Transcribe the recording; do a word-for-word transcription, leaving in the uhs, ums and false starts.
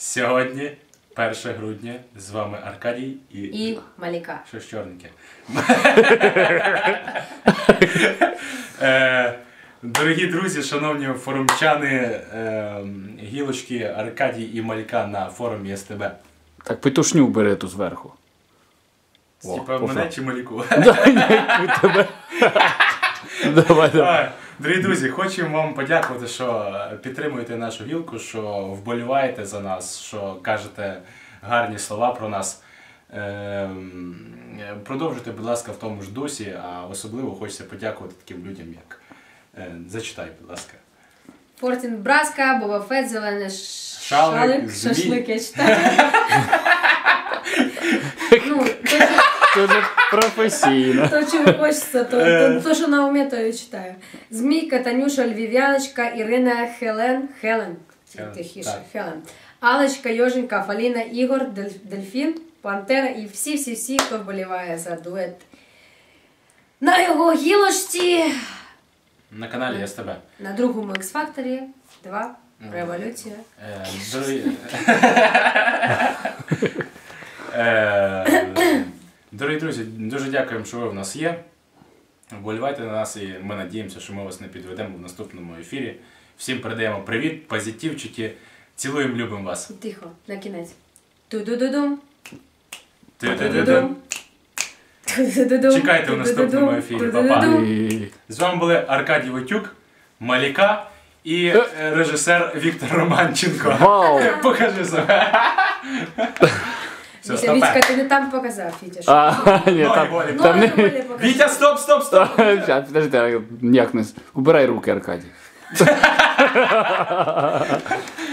Сьогодні, перше грудня, з вами Аркадій і... І Маліка. Що ж чорненьке. Е, Дорогі друзі, шановні форумчани, е, гілочки Аркадій і Маліка на форумі СТБ. Так, петушню бери ту зверху. Типа мене чи Маліку? Давай, давай. Дорогі друзі, хочемо вам подякувати, що підтримуєте нашу гілку, що вболіваєте за нас, що кажете гарні слова про нас. Продовжуйте, будь ласка, в тому ж дусі, а особливо хочеться подякувати таким людям, як... Зачитай, будь ласка. Фортін Браска, Боба Фетт, Зелений Шалик, Шалик, Змій. Шашлик, я читаю. Ну, Дуже професійно. то, чого хочеться, то, то, то, що на умі, то я читаю. Змійка, Танюша, Львів'яночка, Ірина, Хелен, Хелен, тихіше, так. Хелен, Алечка, Йоженька, Фаліна, Ігор, Дель- Дельфін, Пантера і всі-всі-всі, хто вболіває за дует на його гілочці. На каналі СТБ. На другому X-Factor два Революція. Е, Дорогі... Е, Дорогі друзі, дуже дякуємо, що ви в нас є. Вболівайте на нас і ми надіємося, що ми вас не підведемо в наступному ефірі. Всім передаємо привіт, позитивчики. Цілуємо, любимо вас. Тихо, на кінець. Ту-ду-ду-дум. Ту-ду-ду-дум. Чекайте в наступному ефірі. Па-па. І- З вами були Аркадій Войтюк, Маліка і е, режисер Віктор Романченко. Вау! Покажи себе. Все, Вітя, стопе. Вітька, ти не там показав, Вітя. що? А, ні, Ноги там, болі. там Ноги не... болі покажи. Вітя, стоп, стоп, стоп! Щас, Підожди, як не... Убирай руки, Аркадій.